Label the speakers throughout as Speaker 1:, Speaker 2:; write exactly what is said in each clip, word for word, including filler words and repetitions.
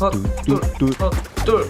Speaker 1: 헛둘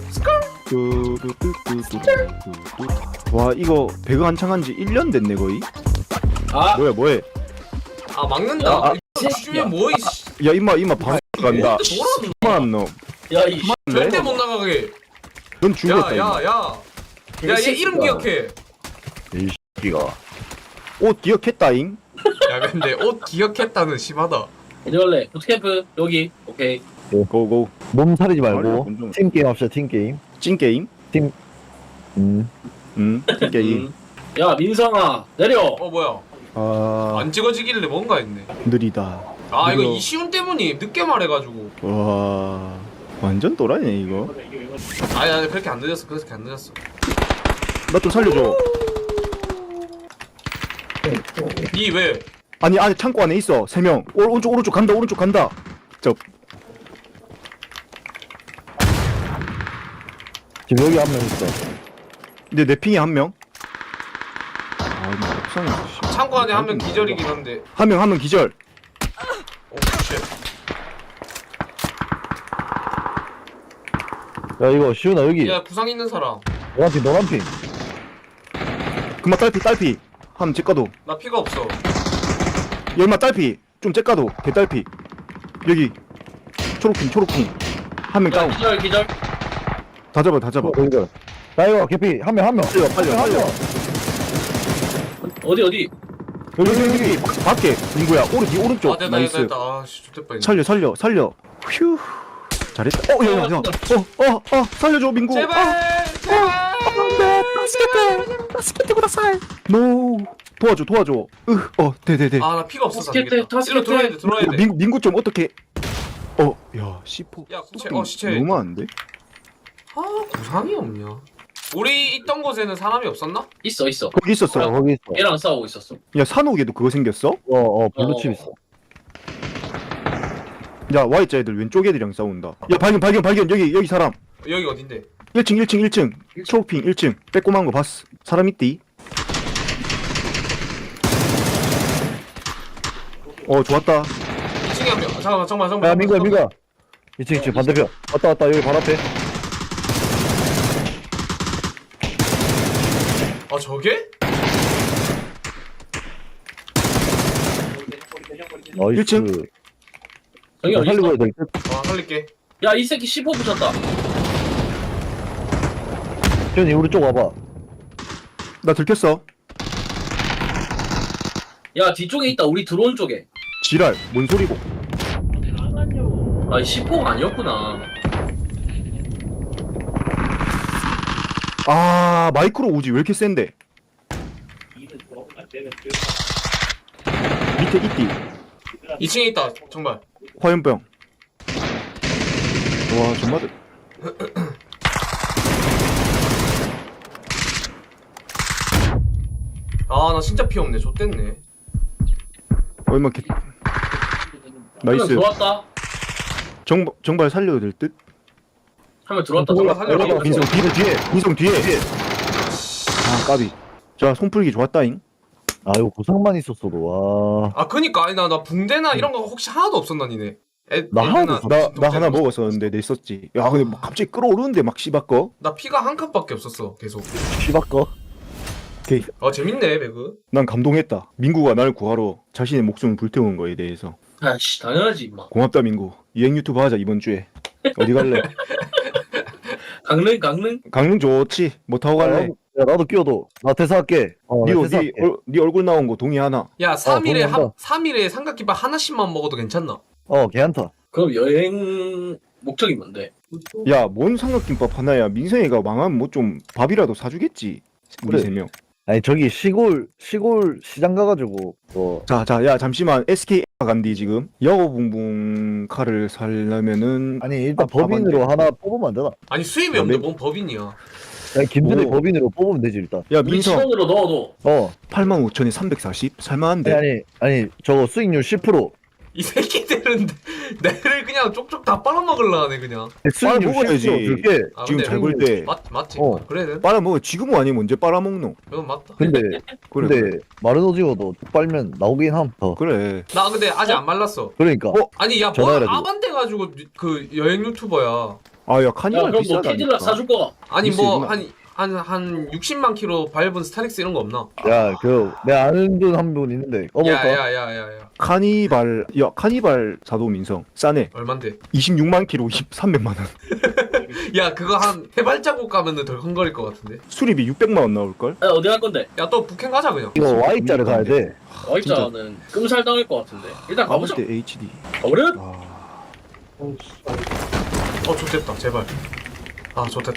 Speaker 2: 와 이거 배그 한창 한지 일 년 됐네 거의.
Speaker 1: 아,
Speaker 2: 뭐야 뭐해?
Speaker 1: 아 막는다.
Speaker 2: 아, 아.
Speaker 1: 이거 주면 뭐이 씨.
Speaker 2: 야 임마 임마 방 간다.
Speaker 1: 뭐라는
Speaker 2: 그만 너.
Speaker 3: 야이
Speaker 1: 절대 못 나가게.
Speaker 2: 넌 죽었다 임마.
Speaker 1: 야야야. 야 얘 이름 기억해.
Speaker 4: 이 새끼가.
Speaker 2: 옷 기억했다잉.
Speaker 1: 야 근데 옷 기억했다는 심하다.
Speaker 3: 어디 갈래? 부트캠프 여기. 오케이.
Speaker 2: 고고.
Speaker 4: 몸 사리지 말고
Speaker 2: 말려, 좀.
Speaker 4: 팀 게임 합시다. 팀 게임.
Speaker 2: 찐 게임.
Speaker 4: 음.
Speaker 2: 음. 찐 게임.
Speaker 3: 음. 야 민성아 내려.
Speaker 1: 어 뭐야?
Speaker 2: 아
Speaker 1: 안 찍어지길래 뭔가 했네.
Speaker 2: 느리다.
Speaker 1: 아 이거
Speaker 2: 이거-
Speaker 1: 이시훈 때문이 늦게 말해가지고.
Speaker 2: 와 완전 또라이네 이거.
Speaker 1: 아니 아니 그렇게 안 늦었어. 그렇게 안 늦었어.
Speaker 2: 나 좀 살려줘.
Speaker 1: 니 왜?
Speaker 2: 아니 안에 창고 안에 있어 세 명. 오른쪽 오른쪽 간다 오른쪽 간다. 저
Speaker 4: 지금 여기 한 명 있어.
Speaker 2: 근데 내 핑에 한 명. 아 이거 속상해.
Speaker 1: 창고 안에 한 명 기절이긴 한데.
Speaker 2: 한명 한 명 기절.
Speaker 1: 오 쉣.
Speaker 4: 야 이거 시훈아 여기.
Speaker 1: 야 구상 있는 사람.
Speaker 4: 노란 핑 노란 핑.
Speaker 2: 금방 딸피 딸피. 한번 째까도.
Speaker 1: 나 피가 없어.
Speaker 2: 열마 딸피. 좀 째까도. 개 딸피. 여기 초록핑 초록핑. 한 명
Speaker 3: 야
Speaker 2: 다운.
Speaker 3: 기절 기절.
Speaker 2: 다 잡아 다 잡아.
Speaker 4: 여기들. 나 이거 개피 한 명 한 명.
Speaker 2: 빨리 빨리
Speaker 4: 한
Speaker 2: 빨리.
Speaker 4: 명.
Speaker 3: 어디 어디?
Speaker 2: 여기 여기 여기 밖에 민구야 오른 뒤 오른쪽.
Speaker 1: 아 됐다 됐다
Speaker 2: 나이스.
Speaker 1: 됐다. 아씨 좋대 뻔.
Speaker 2: 살려 살려 살려. 휴. 잘했다. 어, 야, 야, 야. 어, 어, 어, 살려줘, 민구.
Speaker 1: 제발
Speaker 2: 어,
Speaker 1: 제발.
Speaker 2: 네, 바스켓, 바스켓 구다사이. 노. 도와줘, 도와줘. 으, 어, 네, 네, 네.
Speaker 1: 아 나 피가 없어서 안
Speaker 3: 타스켓,
Speaker 1: 되겠다.
Speaker 3: 타스켓.
Speaker 1: 일로 들어야 돼 들어야 돼.
Speaker 2: 민, 민구 좀 어떻게? 어, 야, 시포.
Speaker 1: 야, 시체, 어, 시체.
Speaker 2: 너무 많은데?
Speaker 1: 아 구상이 없냐? 우리 있던 곳에는 사람이 없었나?
Speaker 3: 있어 있어.
Speaker 2: 거기 있었어.
Speaker 4: 어, 거기 있어.
Speaker 3: 얘랑 싸우고 있었어.
Speaker 2: 야, 산옥에도 그거 생겼어?
Speaker 4: 어어 블루칩
Speaker 3: 어.
Speaker 4: 있어.
Speaker 2: 야, Y자 애들 왼쪽 애들이랑 싸운다. 야, 발견, 발견, 발견. 여기, 여기 사람.
Speaker 1: 여기 어딘데?
Speaker 2: 일 층, 일 층, 일 층. 초록핑 일 층. 빼꼼한 거 봤어. 사람 있디? 어, 좋았다.
Speaker 1: 이 층에 한 명. 잠깐만 잠깐만 잠깐만.
Speaker 4: 야 민구야 민구야. 이층 이층 반대편. 왔다 왔다 여기 바로 앞에.
Speaker 1: 아 저게?
Speaker 4: 나이스.
Speaker 2: 일 층?
Speaker 3: 저기 어디
Speaker 4: 살리고
Speaker 3: 있어?
Speaker 4: 해야 될 듯.
Speaker 1: 아 살릴게.
Speaker 3: 야 이 새끼 십오 붙였다.
Speaker 4: 시훈이 우리 쪽 와봐.
Speaker 2: 나 들켰어.
Speaker 3: 야 뒤쪽에 있다. 우리 들어온 쪽에.
Speaker 2: 지랄. 뭔 소리고?
Speaker 3: 아 십오가 아니었구나.
Speaker 2: 아, 마이크로 오지. 왜 이렇게 센데? 밑에 있디.
Speaker 1: 이 층에 있다. 정말.
Speaker 2: 화염병. 와, 정말.
Speaker 1: 아 나 진짜 피 없네. 좆됐네.
Speaker 2: 얼마 개.
Speaker 3: 한명
Speaker 2: 나이스.
Speaker 3: 들어왔다.
Speaker 2: 정, 정발 살려도 될 듯?
Speaker 3: 한 명 들어왔다.
Speaker 1: 올라,
Speaker 3: 잠깐
Speaker 1: 살려.
Speaker 3: 살려.
Speaker 2: 민성 뒤에, 뒤에. 민성 뒤에. 아, 까비. 자, 손풀기 좋았다잉.
Speaker 4: 아 이거 구상만 있었어도 와.
Speaker 1: 아 그니까 아니 나 나 붕대나 이런 거 혹시 하나도 없었나 니네? 애,
Speaker 4: 나 하나도
Speaker 1: 애들이나
Speaker 2: 나, 나
Speaker 1: 동생이나
Speaker 2: 하나 먹었었는데 내 있었지. 야, 근데 막 갑자기 끌어오르는데 막 씨바꺼.
Speaker 1: 나 피가 한 칸밖에 없었어 계속.
Speaker 4: 시바꺼.
Speaker 2: 오케이.
Speaker 1: 아 재밌네 배그.
Speaker 2: 난 감동했다. 민구가 날 구하러 자신의 목숨을 불태운 거에 대해서.
Speaker 3: 아씨 당연하지 임마.
Speaker 2: 고맙다, 민구. 유행 유튜브 하자, 이번 주에. 어디 갈래?
Speaker 3: 강릉 강릉.
Speaker 2: 강릉 좋지. 뭐 타고 갈래?
Speaker 4: 야 나도 끼워도. 나 퇴사할게. 어, 나
Speaker 2: 니, 니,
Speaker 4: 퇴사할게.
Speaker 2: 얼, 니 얼굴 나온 거 동의하나?
Speaker 1: 야 삼 일에
Speaker 4: 동의한다.
Speaker 1: 한 삼 일에 삼각김밥 하나씩만 먹어도 괜찮나?
Speaker 4: 어 괜찮다.
Speaker 3: 그럼 여행 목적이 뭔데?
Speaker 2: 야, 뭔 삼각김밥 하나야. 민성이가 망하면 뭐 좀 밥이라도 사주겠지. 우리
Speaker 4: 그래.
Speaker 2: 세 명.
Speaker 4: 아니 저기 시골 시골 시장 가가지고 뭐
Speaker 2: 자, 자, 야, 잠시만. 에스케이 간디 지금. 여고붕붕 칼을 살려면은
Speaker 4: 아니 일단
Speaker 2: 아,
Speaker 4: 법인으로
Speaker 2: 밥한데.
Speaker 4: 하나 뽑으면 안 되나?
Speaker 1: 아니 수입이
Speaker 2: 야,
Speaker 1: 없는데
Speaker 2: 내-
Speaker 1: 뭔 법인이야?
Speaker 4: 아니 김준의
Speaker 2: 오.
Speaker 4: 법인으로 뽑으면 되지 일단.
Speaker 2: 야,
Speaker 3: 우리
Speaker 2: 민성.
Speaker 3: 치원으로 넣어도.
Speaker 4: 어.
Speaker 2: 팔만 오천에 삼백사십? 살만한데.
Speaker 4: 아니 아니 아니 저거 수익률 십 퍼센트.
Speaker 1: 이 새끼들은 내를 그냥 쪽쪽 다 빨아먹으려 하네 그냥.
Speaker 2: 빨아 먹어야지.
Speaker 4: 줄게.
Speaker 1: 아,
Speaker 2: 지금
Speaker 1: 근데
Speaker 2: 잘 볼 때
Speaker 1: 맞, 맞지?
Speaker 4: 어.
Speaker 1: 그래 돼?
Speaker 2: 빨아먹어. 지금은 아니면 언제 빨아먹노?
Speaker 1: 그건 맞다.
Speaker 4: 근데
Speaker 2: 그래
Speaker 4: 근데
Speaker 2: 그래.
Speaker 4: 마른 오징어도 빨면 나오긴 함. 더.
Speaker 2: 그래.
Speaker 1: 나 근데 아직 안 말랐어.
Speaker 4: 그러니까.
Speaker 2: 어?
Speaker 1: 아니 야뭐
Speaker 4: 전화해가지고.
Speaker 1: 아반떼 가지고 그 여행 유튜버야.
Speaker 2: 아야
Speaker 3: 야
Speaker 2: 카니발
Speaker 3: 그럼 뭐
Speaker 2: 비싸다니까.
Speaker 3: 캐딜락 사줄 거가?
Speaker 1: 아니
Speaker 2: 있어,
Speaker 1: 뭐
Speaker 2: 이거.
Speaker 1: 한 한 한 육십만 킬로 밟은 스타렉스 이런 거 없나?
Speaker 4: 야, 그 내가 아는 분 한 분 있는데 꺼볼까?
Speaker 1: 야야야야야
Speaker 2: 카니발 야 카니발 사도 민성 싸네.
Speaker 1: 얼만데?
Speaker 2: 이십육만 킬로 삼백만 원.
Speaker 1: 야 그거 한 해발자국 가면은 덜 헝거릴 것 같은데.
Speaker 2: 수리비 육백만 원 나올 걸?
Speaker 3: 야 어디 갈 건데?
Speaker 1: 야 또 북행 가자 그냥.
Speaker 4: 이거 Y자를 가야 돼.
Speaker 3: 와이자는 끔살 당할 것 같은데. 일단 가보자.
Speaker 2: 아버지 에이치디.
Speaker 3: 가버려?
Speaker 2: 아,
Speaker 1: 어 좋됐다 제발. 아 좋됐다.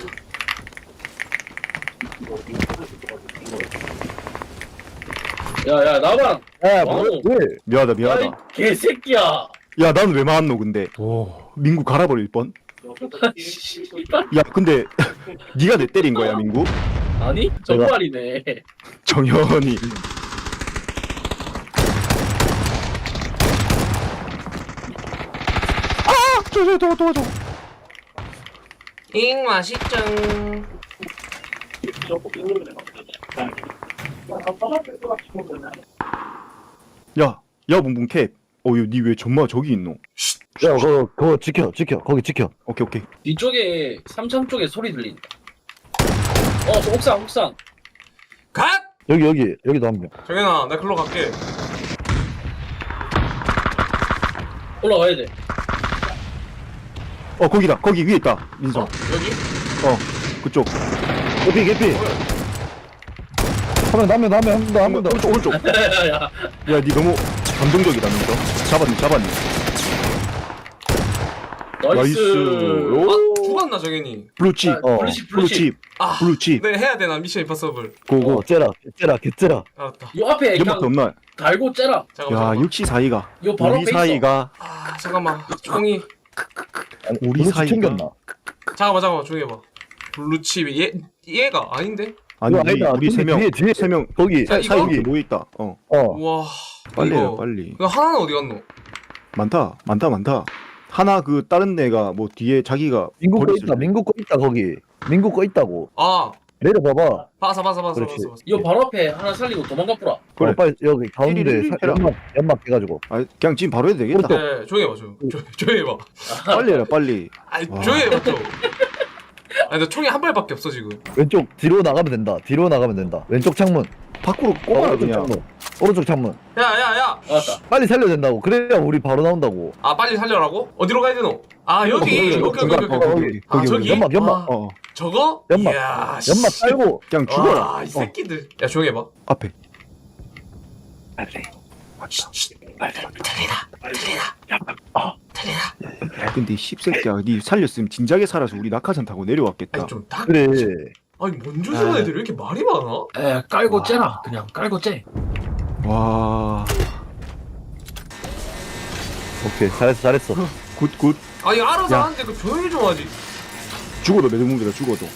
Speaker 3: 야야 나만.
Speaker 4: 야,
Speaker 3: 어.
Speaker 4: 뭐, 왜?
Speaker 2: 미안하다
Speaker 3: 야이
Speaker 2: 미안하다.
Speaker 3: 개새끼야.
Speaker 2: 야 나는 왜 많노 근데. 오 민구 갈아버릴 뻔. 야 근데 네가 내 때린 거야 민구?
Speaker 3: 아니 정말이네.
Speaker 2: 정현이. 아! 저저 도와 도와줘.
Speaker 1: 잉 맛있죠.
Speaker 2: 야, 야 뭉뭉 캡. 어유 니 왜 전마 저기 있노?
Speaker 4: 야, 그거 그거 지켜, 지켜, 거기 지켜.
Speaker 2: 오케이 오케이.
Speaker 3: 뒤쪽에 삼창 쪽에 소리 들린다. 어, 저 옥상, 옥상.
Speaker 1: 갓!
Speaker 4: 여기 여기 여기도 한 명.
Speaker 1: 정현아 나 글로 갈게.
Speaker 3: 올라가야 돼.
Speaker 2: 어 거기다. 거기 위에 있다. 민성.
Speaker 1: 어? 여기?
Speaker 2: 어 그쪽.
Speaker 4: 개피 개피. 한명 남면 남면 한명 한명 더.
Speaker 2: 오른쪽 오른쪽.
Speaker 3: 야야야.
Speaker 2: 야, 니 너무 감동적이다, 민성. 잡았니 잡았니.
Speaker 3: 나이스.
Speaker 2: 오.
Speaker 1: 아 죽었나 정현이?
Speaker 2: 블루칩.
Speaker 3: 아,
Speaker 2: 어.
Speaker 3: 블루칩, 블루칩.
Speaker 2: 블루칩.
Speaker 1: 아
Speaker 2: 블루칩.
Speaker 1: 네 해야 되나 미션 임파서블.
Speaker 2: 고고.
Speaker 4: 어, 째라, 째라, 개째라.
Speaker 1: 알았다.
Speaker 3: 요 앞에
Speaker 2: 연막도
Speaker 3: 그냥
Speaker 2: 없나?
Speaker 3: 달고 째라.
Speaker 1: 잠깐만.
Speaker 2: 야,
Speaker 1: 잠깐만.
Speaker 2: 역시 사이가.
Speaker 3: 요 바로
Speaker 2: 우리
Speaker 3: 앞에 있어.
Speaker 2: 사이가.
Speaker 1: 아 잠깐만. 총이.
Speaker 4: 아니,
Speaker 2: 우리
Speaker 4: 블루칩
Speaker 2: 사이가.
Speaker 4: 챙겼나?
Speaker 1: 잠깐만 잠깐만 조용히 해봐. 블루칩이 얘 얘가 아닌데?
Speaker 2: 아니
Speaker 4: 이거
Speaker 2: 우리
Speaker 4: 아니다.
Speaker 2: 우리
Speaker 4: 뒤에,
Speaker 2: 세 명.
Speaker 4: 뒤에, 뒤에.
Speaker 2: 세 명.
Speaker 4: 거기.
Speaker 1: 자,
Speaker 2: 사이
Speaker 1: 이거?
Speaker 2: 이렇게 모여 있다. 어.
Speaker 4: 어.
Speaker 1: 우와.
Speaker 2: 빨리 해요,
Speaker 1: 이거.
Speaker 2: 빨리.
Speaker 1: 이거 하나는 어디 갔노?
Speaker 2: 많다. 많다, 많다. 하나 그 다른 애가 뭐 뒤에 자기가
Speaker 4: 민국 거
Speaker 2: 버렸을
Speaker 4: 있다.
Speaker 2: 때.
Speaker 4: 민국 거 있다 거기. 민국 거 있다고.
Speaker 1: 아
Speaker 4: 내려봐봐.
Speaker 1: 봐서 봐서 봐서
Speaker 4: 그렇지.
Speaker 1: 봐서. 봐서.
Speaker 3: 요 바로 앞에 하나 살리고 도망가 뿌라.
Speaker 2: 그래.
Speaker 4: 어, 빨리 여기 가운데
Speaker 2: 띠리리리
Speaker 4: 사-
Speaker 2: 해라.
Speaker 4: 연막 연막 해가지고.
Speaker 2: 아, 그냥 지금 바로 해도 되겠다.
Speaker 1: 네 조용히 해봐 조용. 조, 조용히 해봐.
Speaker 2: 빨리 해라, 빨리.
Speaker 1: 아니
Speaker 2: 와.
Speaker 1: 조용히 해봐 좀. 아니 나 총이 한 발밖에 없어 지금.
Speaker 4: 왼쪽 뒤로 나가면 된다. 뒤로 나가면 된다. 왼쪽 창문.
Speaker 2: 밖으로
Speaker 4: 어,
Speaker 2: 꼽아라,
Speaker 4: 오른쪽
Speaker 2: 그냥.
Speaker 4: 창문. 오른쪽 창문.
Speaker 1: 야야야.
Speaker 3: 맞다.
Speaker 4: 빨리 살려야 된다고. 그래야 우리 바로 나온다고.
Speaker 1: 아 빨리 살려라고? 어디로 가야 되노? 아 여기.
Speaker 2: 어,
Speaker 1: 오케이 오케이 오케이
Speaker 2: 중간,
Speaker 1: 오케이.
Speaker 2: 어, 거기,
Speaker 1: 아
Speaker 2: 거기,
Speaker 1: 저기?
Speaker 4: 연막, 연막.
Speaker 1: 아,
Speaker 2: 어,
Speaker 1: 저거?
Speaker 4: 연막.
Speaker 1: 이야,
Speaker 4: 연막
Speaker 1: 씨.
Speaker 4: 깔고.
Speaker 2: 그냥 죽어라.
Speaker 1: 와, 이
Speaker 2: 어,
Speaker 1: 새끼들. 야 조용히 해봐.
Speaker 2: 앞에. 야, 근데 이 씹새끼야, 니 살렸으면 진작에 살아서 우리 낙하산 타고 내려왔겠다.
Speaker 1: 아니 좀 딱.
Speaker 4: 그래.
Speaker 1: 아니 뭔 주는
Speaker 2: 아.
Speaker 1: 애들이 왜 이렇게 말이 많아?
Speaker 3: 에 깔고 째라. 그냥 깔고 째.
Speaker 2: 와,
Speaker 4: 오케이. 잘했어, 잘했어.
Speaker 2: 굿, 굿.
Speaker 1: 아니 알아서
Speaker 2: 야.
Speaker 1: 하는데 그 조용히 좀 하지.
Speaker 2: 죽어도 매듭무기다, 죽어도.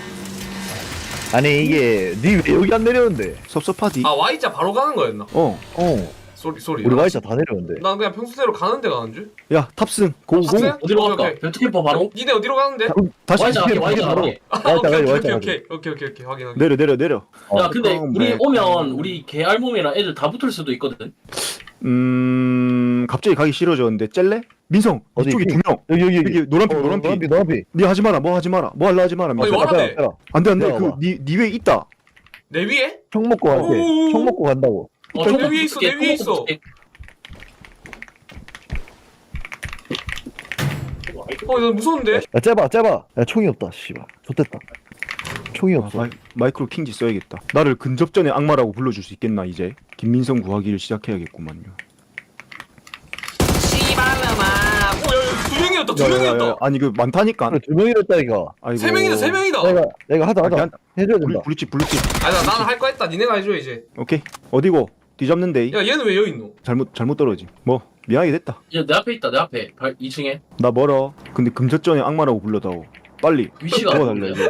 Speaker 4: 아니 이게 니 왜 여기 안 내려오는데?
Speaker 2: 섭섭하디.
Speaker 1: 아 Y자 바로 가는 거였나?
Speaker 2: 어,
Speaker 4: 어.
Speaker 1: 소리 소리.
Speaker 4: 우리 Y자 다 내려오는데.
Speaker 1: 난 그냥 평소대로 가는 데 가는 줄.
Speaker 2: 야, 탑승. 고고.
Speaker 1: 탑승?
Speaker 3: 어디로
Speaker 1: 오케이,
Speaker 3: 갈까?
Speaker 1: 오케이.
Speaker 3: 벤트캠퍼 바로?
Speaker 1: 니네 어디로 가는데?
Speaker 2: 다시
Speaker 3: 와이자 갈게,
Speaker 2: 뒤에
Speaker 3: 와이자
Speaker 2: 바로.
Speaker 3: 갈게.
Speaker 1: 아,
Speaker 4: Y자
Speaker 1: 오케이
Speaker 4: 가지,
Speaker 1: 오케이
Speaker 4: Y자
Speaker 1: 오케이
Speaker 4: 가지.
Speaker 1: 오케이 오케이 오케이 확인 확인.
Speaker 2: 내려, 내려, 내려.
Speaker 4: 어.
Speaker 3: 야 근데
Speaker 2: 어,
Speaker 3: 우리
Speaker 2: 네.
Speaker 3: 오면 우리 개알몸이랑 애들 다 붙을 수도 있거든.
Speaker 2: 음, 갑자기 가기 싫어졌는데 찔래? 민성,
Speaker 4: 어디?
Speaker 2: 이쪽에 두 명.
Speaker 4: 여기 여기
Speaker 2: 여기 노란빛,
Speaker 4: 어,
Speaker 2: 노란빛.
Speaker 4: 노란빛 노란빛.
Speaker 2: 니 하지 마라, 뭐 하지 마라, 뭐 할라 하지 마라.
Speaker 1: 아니,
Speaker 2: 민성.
Speaker 1: 와라.
Speaker 4: 빼라, 빼라.
Speaker 2: 안돼, 안돼.
Speaker 4: 내려와봐.
Speaker 2: 그, 니, 니 위에 있다.
Speaker 1: 내 위에?
Speaker 4: 총 먹고 갈게.
Speaker 1: 오오오.
Speaker 4: 총 먹고 간다고.
Speaker 3: 어,
Speaker 1: 내
Speaker 3: 총
Speaker 1: 위에 있어, 내
Speaker 3: 붙을게,
Speaker 1: 위에
Speaker 3: 총
Speaker 1: 있어.
Speaker 3: 붙을게.
Speaker 1: 어, 나 무서운데?
Speaker 4: 야 째봐 째봐. 야 총이 없다. 씨발. 좋됐다. 총이
Speaker 2: 아,
Speaker 4: 없어.
Speaker 2: 마이, 마이크로 킹지 써야겠다. 나를 근접전의 악마라고 불러줄 수 있겠나 이제? 김민성 구하기를 시작해야겠구만요.
Speaker 1: 씨발라마. 오, 야, 야, 두 명이었다, 두
Speaker 2: 야, 야, 야,
Speaker 1: 명이었다.
Speaker 2: 아니 그 많다니까.
Speaker 4: 그래 두 명이랬다 이거.
Speaker 2: 아이고.
Speaker 1: 세 명이다, 세 명이다.
Speaker 4: 내가 내가 하자
Speaker 2: 아,
Speaker 4: 하자.
Speaker 2: 그냥
Speaker 4: 해줘야
Speaker 2: 블,
Speaker 4: 된다.
Speaker 2: 블루칩 블루칩.
Speaker 1: 아니, 나, 나는 할 거 했다. 니네가 해줘, 이제.
Speaker 2: 오케이. 어디고? 뒤잡는데.
Speaker 1: 야, 얘는 왜 여기 있노?
Speaker 2: 잘못 잘못 떨어지. 뭐 미안하게 됐다.
Speaker 3: 야, 내 앞에 있다. 내 앞에. 발 이 층에.
Speaker 2: 나 멀어. 근데 금접전의 악마라고 불러다오. 빨리
Speaker 3: 위치가 안
Speaker 2: 도와달래.
Speaker 3: 보여.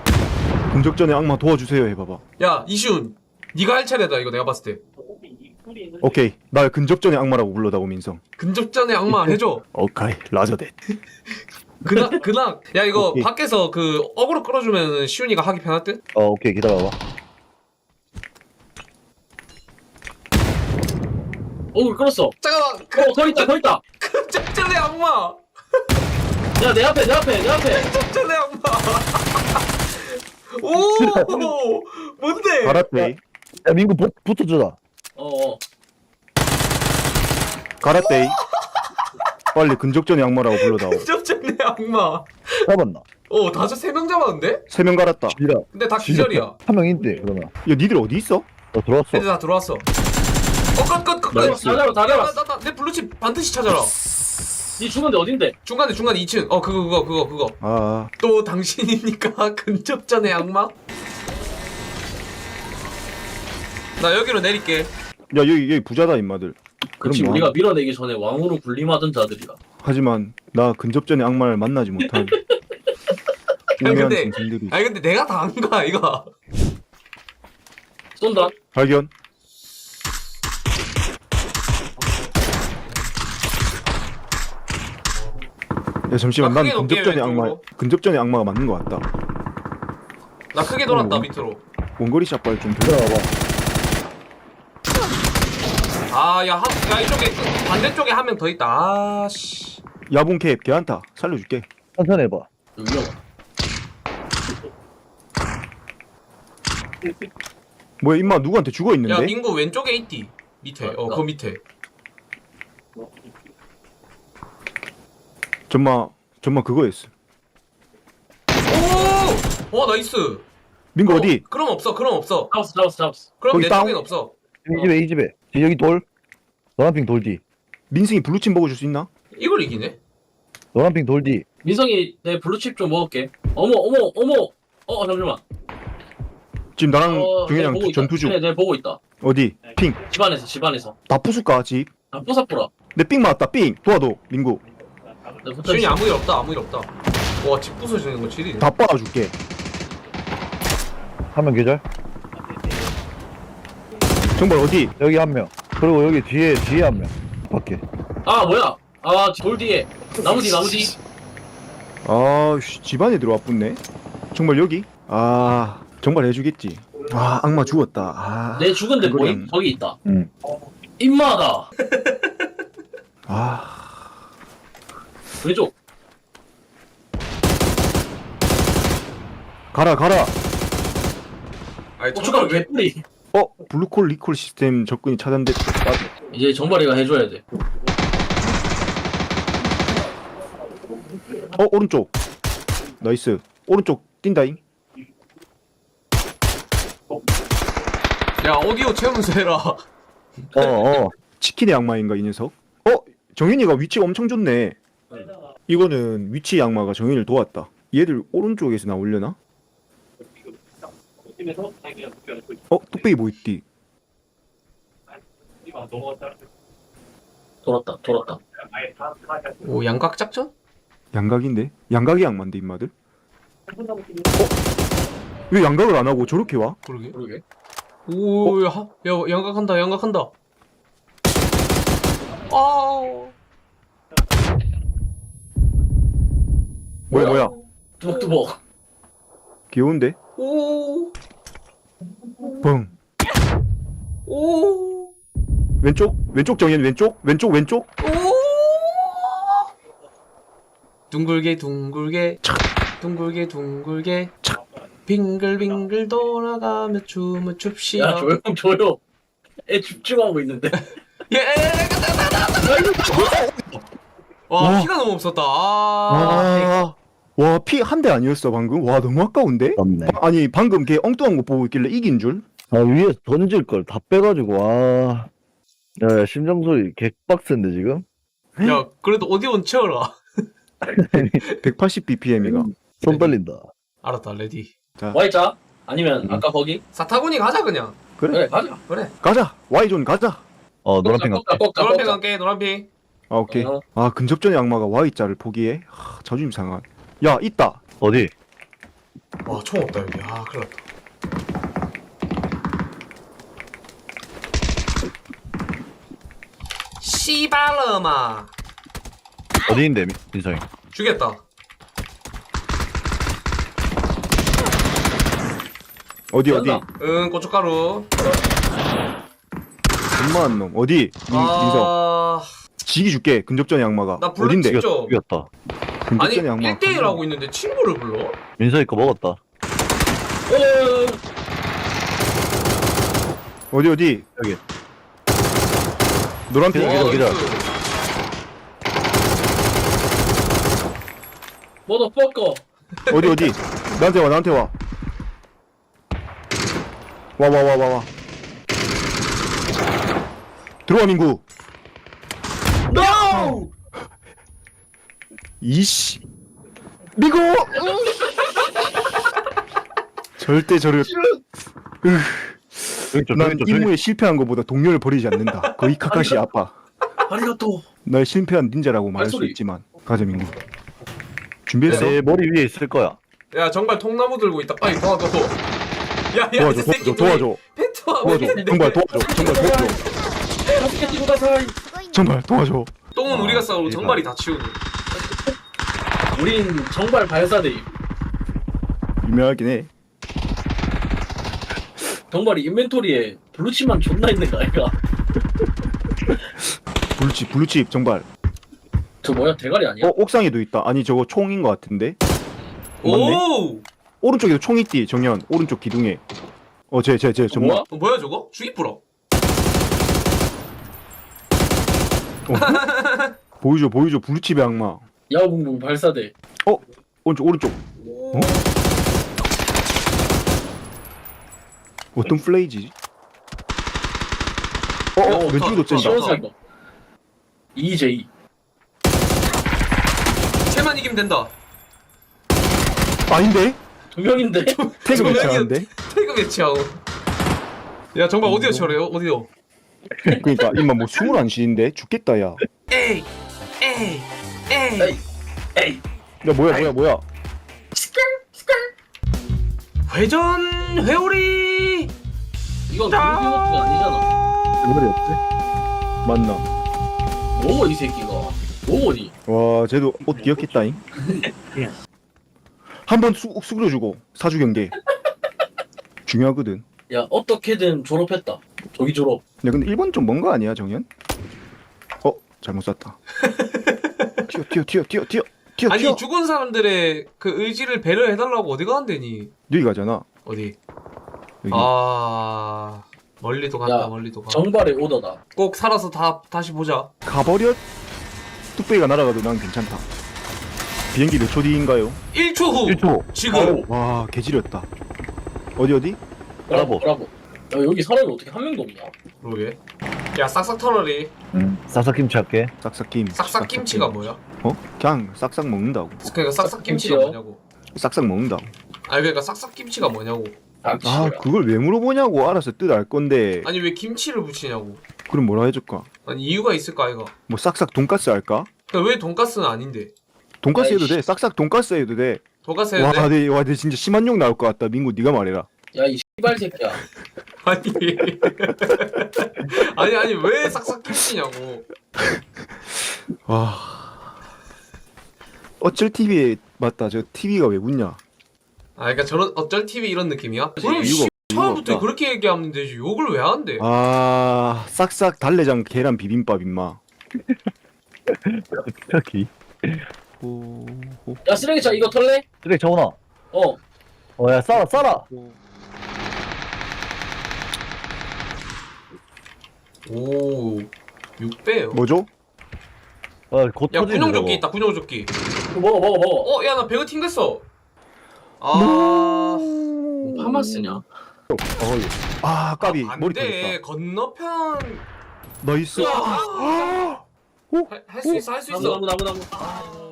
Speaker 2: 금접전의 악마 도와주세요 해봐봐.
Speaker 1: 야, 이시훈. 니가 할 차례다, 이거 내가 봤을 때.
Speaker 2: 오케이. 날 근접전의 악마라고 불러다오 민성.
Speaker 1: 근접전의 악마 해줘.
Speaker 2: 오케이. 라저댓.
Speaker 1: 그나 그나. 야 이거
Speaker 2: 오케이.
Speaker 1: 밖에서 그 어그로 끌어주면 시훈이가 하기 편할 듯?
Speaker 4: 어 오케이 기다려봐.
Speaker 3: 오 끌었어.
Speaker 1: 잠깐만.
Speaker 3: 어, 더 있다, 더 있다.
Speaker 1: 근접전의 악마.
Speaker 3: 야, 내 앞에, 내 앞에, 내 앞에.
Speaker 1: 근접전의 악마. 오 뭔데?
Speaker 2: 가라떼이.
Speaker 4: 야 민구 부, 붙어주자.
Speaker 3: 어, 어.
Speaker 2: 가라떼이. 빨리 근접전의 악마라고 불러다오.
Speaker 1: 근접전의 악마.
Speaker 4: 잡았나?
Speaker 1: 어 다섯 세 명 잡았는데?
Speaker 2: 세 명 갈았다.
Speaker 4: 지라.
Speaker 1: 근데 다 기절이야.
Speaker 4: 한명 있대 그러면.
Speaker 2: 야 니들 어디 있어?
Speaker 4: 나 들어왔어.
Speaker 1: 애들 다 들어왔어. 어끝끝끝
Speaker 2: 나이스.
Speaker 3: 다 잡아, 다 잡아.
Speaker 1: 내 블루칩 반드시 찾아라.
Speaker 3: 니 죽은데 어딘데?
Speaker 1: 중간에 중간에 이 층. 어 그거 그거 그거 그거.
Speaker 2: 아.
Speaker 1: 또 당신입니까? 근접전의 악마? 나 여기로 내릴게.
Speaker 2: 야 여기 여기 부자다 임마들.
Speaker 3: 그렇지,
Speaker 2: 그럼 뭐
Speaker 3: 우리가
Speaker 2: 하나?
Speaker 3: 밀어내기 전에 왕으로 군림하던 자들이라.
Speaker 2: 하지만 나 근접전의 악마를 만나지 못한 우매한
Speaker 1: 근데-
Speaker 2: 짐승들이.
Speaker 1: 아니 근데 내가 다 한 거야 이거.
Speaker 3: 쏜다.
Speaker 2: 발견. 야 잠시만
Speaker 1: 나
Speaker 2: 난
Speaker 1: 크게 놓을게,
Speaker 2: 근접전의 악마
Speaker 1: 왼쪽으로.
Speaker 2: 근접전의 악마가 맞는 것 같다.
Speaker 1: 나 크게 돌았다
Speaker 2: 어.
Speaker 1: 밑으로.
Speaker 2: 원거리 샷발 좀 들어.
Speaker 4: 기다려봐.
Speaker 1: 아야 야 이쪽에 그 반대쪽에 한 명 더 있다. 아씨.
Speaker 2: 야봉 캡 걔한타 살려줄게.
Speaker 4: 천천히 해봐.
Speaker 3: 여기 위험.
Speaker 2: 뭐야 임마 누구한테 죽어
Speaker 1: 야
Speaker 2: 있는데?
Speaker 1: 민구 왼쪽에 있디. 밑에. 어 그 밑에.
Speaker 2: 전마 전마 그거였어.
Speaker 1: 오! 어 나이스.
Speaker 2: 민구
Speaker 1: 어,
Speaker 2: 어디?
Speaker 1: 그럼 없어. 그럼 없어.
Speaker 3: 잡았어, 잡았어, 잡았어.
Speaker 1: 그럼
Speaker 2: 거기
Speaker 1: 내
Speaker 2: 다운.
Speaker 1: 쪽엔 없어.
Speaker 4: 이 집에 이 집에. 여기 돌. 노란핑 돌디.
Speaker 2: 민승이 블루칩 먹어줄 수 있나?
Speaker 1: 이걸 이기네?
Speaker 4: 노란핑 돌디.
Speaker 3: 민성이 내 블루칩 좀 먹을게. 어머, 어머, 어머. 어, 잠시만.
Speaker 2: 지금 나랑
Speaker 3: 어, 내
Speaker 2: 동현이랑
Speaker 3: 보고 있다.
Speaker 2: 전투 중.
Speaker 3: 네, 내 보고 있다.
Speaker 2: 어디? 핑.
Speaker 3: 집안에서, 집안에서.
Speaker 2: 다 부술까 집?
Speaker 3: 아, 뽀사뿌라.
Speaker 2: 내 삥 맞았다 삥. 도와도 민구.
Speaker 3: 내 붙어
Speaker 1: 시윤이
Speaker 3: 있어.
Speaker 1: 아무 일 없다. 아무 일 없다. 와 집 부서지는 거 지리네.
Speaker 2: 다 빨아줄게.
Speaker 4: 한 명 계절.
Speaker 2: 정말 어디?
Speaker 4: 여기 한 명. 그리고 여기 뒤에 뒤에 한 명. 밖에.
Speaker 3: 아, 뭐야? 아, 돌 뒤에. 나무 뒤, 나무 뒤.
Speaker 2: 아, 씨, 집안에 들어와 붙네. 정말 여기? 아, 정말 해주겠지. 아, 악마 죽었다. 아,
Speaker 3: 내 죽은데
Speaker 2: 그거는-
Speaker 3: 뭐임? 저기 있다.
Speaker 4: 응.
Speaker 3: 임마다.
Speaker 2: 아,
Speaker 3: 왼쪽.
Speaker 2: 가라 가라.
Speaker 1: 아니
Speaker 3: 고춧가루
Speaker 1: 정말 왜
Speaker 3: 개뿌리.
Speaker 2: 어, 블루콜 리콜 시스템 접근이 차단됐다.
Speaker 3: 이제 정발이가 해줘야 돼.
Speaker 2: 어, 오른쪽. 나이스. 오른쪽 뛴다잉.
Speaker 1: 야 오디오 채우면서 해라.
Speaker 4: 어 어.
Speaker 2: 치킨의 악마인가 이 녀석? 어, 정현이가 위치가 엄청 좋네. 이거는 위치 악마가 정현이를 도왔다. 얘들 오른쪽에서 나오려나? 어, 뚝배기 뭐 있디?
Speaker 3: 돌았다, 돌았다.
Speaker 1: 오 양각 작전?
Speaker 2: 양각인데? 양각이 악마인데 임마들? 어? 왜 양각을 안 하고 저렇게 와?
Speaker 1: 그러게.
Speaker 3: 그러게.
Speaker 1: 오, 야, 야 양각한다, 양각한다. 아,
Speaker 2: 뭐야 뭐야?
Speaker 3: 뚜벅뚜벅.
Speaker 2: 귀여운데?
Speaker 1: 오,
Speaker 2: 뻥.
Speaker 1: 오,
Speaker 2: 왼쪽? 왼쪽 정현 왼쪽? 왼쪽 왼쪽?
Speaker 1: 오. 둥글게 둥글게 둥글게 둥글게 빙글빙글 돌아가며 춤을 춥시다.
Speaker 3: 야, 조용, 조용. 애 집중하고 있는데.
Speaker 1: 예, 갔다, 갔다, 갔다. 와,
Speaker 2: 와.
Speaker 1: 피가 너무 없었다. 아,
Speaker 2: 와, 와, 피 한 대 아니었어 방금? 와, 너무 아까운데?
Speaker 4: 없네.
Speaker 2: 아니 방금 걔 엉뚱한 거 보고 있길래 이긴 줄?
Speaker 4: 아 위에 던질 걸 다 빼가지고 와. 야, 야 심장 소리 개빡센데 지금?
Speaker 1: 야, 그래도 오디오는 채워라.
Speaker 2: 백팔십 비피엠이가.
Speaker 4: 손 떨린다.
Speaker 1: 알았다, 레디.
Speaker 3: Y자? 아니면 아까 거기?
Speaker 1: 사타구니 가자 그냥.
Speaker 2: 그래,
Speaker 3: 그래, 가자.
Speaker 1: 그래.
Speaker 2: 가자. Y존 가자.
Speaker 4: 어 노란핑
Speaker 3: 꺾자,
Speaker 4: 갈게.
Speaker 3: 꺾자,
Speaker 1: 노란핑
Speaker 3: 꺾자.
Speaker 1: 갈게, 노란핑.
Speaker 2: 아, 오케이.
Speaker 3: 어.
Speaker 2: 아, 근접전의 악마가 Y자를 포기해? 하, 자존심 상한. 야, 있다.
Speaker 4: 어디?
Speaker 1: 와, 총 없다 여기. 아, 큰일 났다. 씨발러마.
Speaker 4: 어디 있는데 민- 민성이?
Speaker 1: 죽였다.
Speaker 2: 어디 어디?
Speaker 3: 연다.
Speaker 1: 응, 고춧가루.
Speaker 2: 존만한 놈. 어디? 민, 민석.
Speaker 1: 아,
Speaker 2: 지기 줄게. 근접전의 악마가.
Speaker 1: 나 불러
Speaker 2: 어딘데?
Speaker 1: 찍죠.
Speaker 4: 죽였다.
Speaker 1: 아니
Speaker 2: 근접전의 악마.
Speaker 1: 일 대일 하고 있는데 친구를 불러?
Speaker 4: 민성이 거 먹었다.
Speaker 3: 어,
Speaker 2: 어디 어디?
Speaker 4: 여기.
Speaker 2: 노란 핑.
Speaker 4: 기다려,
Speaker 1: 어,
Speaker 4: 기다려.
Speaker 1: 나이스.
Speaker 3: 뭐더 뻗고.
Speaker 2: 어디 어디? 나한테 와 나한테 와. 와 와 와 와 와. 들어와 민구.
Speaker 3: NO!
Speaker 2: 이씨. 민구. 절대 저를.
Speaker 4: 여기 좀
Speaker 2: 난
Speaker 4: 저기 좀 저기.
Speaker 2: 임무에 실패한 것보다 동료를 버리지 않는다. 거의 카카시 아빠.
Speaker 3: 아리가또.
Speaker 2: 날 실패한 닌자라고 말할 수
Speaker 3: 발소리.
Speaker 2: 있지만. 가자 민구. 준비했어?
Speaker 4: 내 머리 위에 있을 거야.
Speaker 1: 야 정말 통나무 들고 있다. 빨리 도와줘. 야야 이
Speaker 2: 도와줘
Speaker 1: 새끼
Speaker 2: 도와줘 도와줘
Speaker 1: 펜트하고
Speaker 2: 도와줘.
Speaker 1: 있는데.
Speaker 2: 정말 도와줘. 정말 도와줘.
Speaker 3: 다섯 개 가사이.
Speaker 2: 정말 도와줘.
Speaker 1: 똥은 우리가 싸우고
Speaker 4: 대박.
Speaker 1: 정발이 다 치우고.
Speaker 3: 우린 정발 발사대임.
Speaker 2: 유명하긴 해.
Speaker 3: 정발이 인벤토리에 블루치만 존나 있는 거 아이가?
Speaker 2: 블루칩 블루칩 정발.
Speaker 3: 저 뭐야 대가리 아니야?
Speaker 2: 어 옥상에도 있다. 아니 저거 총인 것 같은데. 맞네.
Speaker 1: 오.
Speaker 2: 오른쪽에도 총 있디 정현. 오른쪽 기둥에. 어쟤쟤쟤 정말.
Speaker 3: 뭐야?
Speaker 1: 어, 뭐야 저거? 주기 뿌러.
Speaker 2: 보여줘 보여줘 블루칩의 악마.
Speaker 3: 야구붕붕 발사대.
Speaker 2: 오른쪽 오른쪽.
Speaker 1: 오.
Speaker 2: 어떤 플레이지? 어, 어
Speaker 3: 어,
Speaker 2: 왼쪽에도 쩐다.
Speaker 3: 시원살거. 이제이.
Speaker 1: 쟤만 이기면 된다.
Speaker 2: 아닌데?
Speaker 3: 두 명인데?
Speaker 2: 태그
Speaker 1: 저거
Speaker 2: 매치하는데?
Speaker 1: 태그 매치하고. 야 정말 어디요 저래요? 어디요?
Speaker 2: 그러니까 임마 뭐 숨을 안 쉬는데 죽겠다 야.
Speaker 1: 에이 에이 에이.
Speaker 3: 에이. 에이.
Speaker 2: 야 뭐야 뭐야 뭐야.
Speaker 1: 회전 회오리.
Speaker 3: 이건 공기호투가 아니잖아.
Speaker 2: 머리 없지? 맞나?
Speaker 3: 뭐고 이 새끼가? 뭐고니?
Speaker 2: 와 쟤도 옷 기억했다잉. 한번 수그려주고 사주 경계. 중요하거든.
Speaker 3: 야 어떻게든 졸업했다. 조기 졸업.
Speaker 2: 야 근데 일 번 좀 먼 거 아니야 정현? 어 잘못 쐈다. 튀어 튀어 튀어 튀어 튀어 튀어
Speaker 1: 아니
Speaker 2: 튀어.
Speaker 1: 죽은 사람들의 그 의지를 배려해달라고 어디가 안 되니?
Speaker 2: 여기 가잖아.
Speaker 1: 어디?
Speaker 2: 여기.
Speaker 1: 아 멀리도 간다
Speaker 3: 야,
Speaker 1: 멀리도 가.
Speaker 3: 정발의 오더다.
Speaker 1: 꼭 살아서 다 다시 보자.
Speaker 2: 가버려. 뚝배기가 날아가도 난 괜찮다. 비행기 몇 초 뒤인가요?
Speaker 1: 일 초 후.
Speaker 4: 일 초.
Speaker 1: 지금.
Speaker 3: 바로.
Speaker 2: 와 개지렸다. 어디 어디?
Speaker 3: 브라보. 브라보. 야 여기 사람이 어떻게 한 명도 없냐?
Speaker 1: 그러게. 야 싹싹 털어리.
Speaker 4: 응. 싹싹김치 할게.
Speaker 2: 싹싹김.
Speaker 1: 싹싹 김치가 뭐야?
Speaker 2: 어? 그냥 싹싹 먹는다고.
Speaker 1: 그러니까 싹싹 김치가
Speaker 3: 김치요?
Speaker 1: 뭐냐고.
Speaker 2: 싹싹 먹는다고.
Speaker 1: 아니 그러니까 싹싹 김치가 뭐냐고.
Speaker 2: 아
Speaker 3: 아,
Speaker 2: 그걸 왜 물어보냐고. 알아서 뜻 알 건데.
Speaker 1: 아니 왜 김치를 붙이냐고.
Speaker 2: 그럼 뭐라 해줄까?
Speaker 1: 아니 이유가 있을까 이거.
Speaker 2: 뭐 싹싹 돈가스 할까?
Speaker 1: 그러니까 왜 돈가스는 아닌데?
Speaker 2: 돈가스 해도
Speaker 3: 아이씨.
Speaker 2: 돼. 싹싹 돈가스 해도 돼.
Speaker 1: 돈가스
Speaker 2: 와,
Speaker 1: 해도 돼?
Speaker 2: 내, 와, 내 진짜 심한 욕 나올 것 같다. 민구, 네가 말해라.
Speaker 3: 야이 씨발 새끼야.
Speaker 1: 아니 아니 아니 왜 싹싹 김치냐고.
Speaker 2: 와. 어쩔 티비에 맞다. 저 티비가 왜 붙냐?
Speaker 1: 아 그러니까 저런 어쩔 티비 이런 느낌이야? 그럼
Speaker 2: 이유가-
Speaker 1: 씨,
Speaker 2: 이유가
Speaker 1: 처음부터
Speaker 2: 없다.
Speaker 1: 그렇게 얘기하면 되지 욕을 왜 하는데?
Speaker 2: 아, 싹싹 달래장 계란 비빔밥 임마.
Speaker 4: 여기.
Speaker 2: 오, 오,
Speaker 3: 야 쓰레기차 이거 털래?
Speaker 4: 쓰레기 정원아.
Speaker 3: 어.
Speaker 4: 어야 싸라 싸라.
Speaker 1: 오 육 배요.
Speaker 2: 뭐죠?
Speaker 4: 어곧
Speaker 1: 야
Speaker 4: 터지네.
Speaker 1: 군용조끼
Speaker 4: 저거.
Speaker 1: 있다 군용조끼.
Speaker 3: 이거 먹어 먹어 먹어.
Speaker 1: 어 야 나 배가 튕겼어. 아
Speaker 3: 파마스냐?
Speaker 2: 아, 까비. 머리
Speaker 1: 안돼
Speaker 2: 터졌다.
Speaker 1: 건너편
Speaker 2: 나이스.
Speaker 1: 할 수 있어 할 수
Speaker 3: 나무
Speaker 1: 있어.
Speaker 3: 나무 나무 나무. 아.